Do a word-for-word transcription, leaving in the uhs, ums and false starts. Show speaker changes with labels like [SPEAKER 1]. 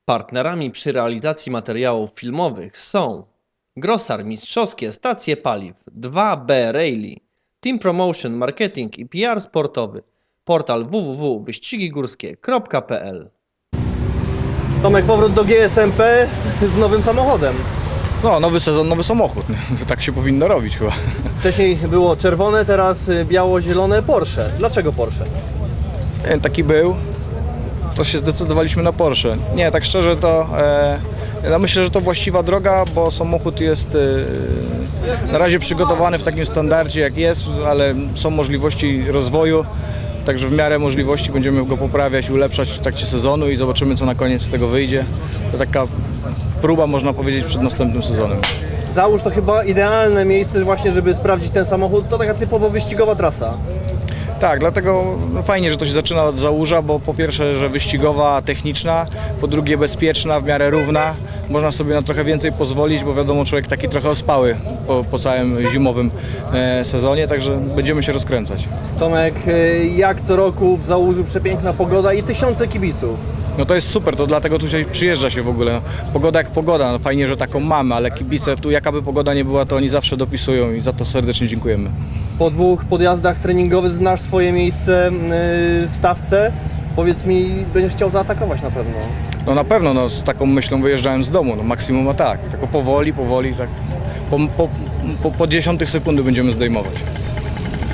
[SPEAKER 1] Partnerami przy realizacji materiałów filmowych są Grosar Mistrzowskie Stacje Paliw, dwa B Rally, Team Promotion Marketing i P R Sportowy, portal w w w kropka wyścigi górskie kropka p l.
[SPEAKER 2] Tomek, powrót do G S M P z nowym samochodem.
[SPEAKER 3] No, nowy sezon, nowy samochód. To tak się powinno robić chyba.
[SPEAKER 2] Wcześniej było czerwone, teraz biało-zielone Porsche. Dlaczego Porsche?
[SPEAKER 3] Nie, taki był, to się zdecydowaliśmy na Porsche. Nie, tak szczerze to e, ja myślę, że to właściwa droga, bo samochód jest e, na razie przygotowany w takim standardzie jak jest, ale są możliwości rozwoju, także w miarę możliwości będziemy go poprawiać, ulepszać w trakcie sezonu i zobaczymy, co na koniec z tego wyjdzie. To taka próba, można powiedzieć, przed następnym sezonem.
[SPEAKER 2] Załóż to chyba idealne miejsce właśnie, żeby sprawdzić ten samochód. To taka typowo wyścigowa trasa.
[SPEAKER 3] Tak, dlatego no fajnie, że to się zaczyna od Załuża, bo po pierwsze, że wyścigowa, techniczna, po drugie bezpieczna, w miarę równa. Można sobie na trochę więcej pozwolić, bo wiadomo, człowiek taki trochę ospały po, po całym zimowym e, sezonie, także będziemy się rozkręcać.
[SPEAKER 2] Tomek, jak co roku w Załużu przepiękna pogoda i tysiące kibiców.
[SPEAKER 3] No to jest super, to dlatego tutaj przyjeżdża się w ogóle. Pogoda jak pogoda, no fajnie, że taką mamy, ale kibice tu jaka by pogoda nie była, to oni zawsze dopisują i za to serdecznie dziękujemy.
[SPEAKER 2] Po dwóch podjazdach treningowych znasz swoje miejsce w stawce. Powiedz mi, będziesz chciał zaatakować na pewno.
[SPEAKER 3] No na pewno, no, z taką myślą wyjeżdżałem z domu, no maksimum a tak, tylko powoli, powoli, tak po, po, po, po dziesiątych sekundy będziemy zdejmować.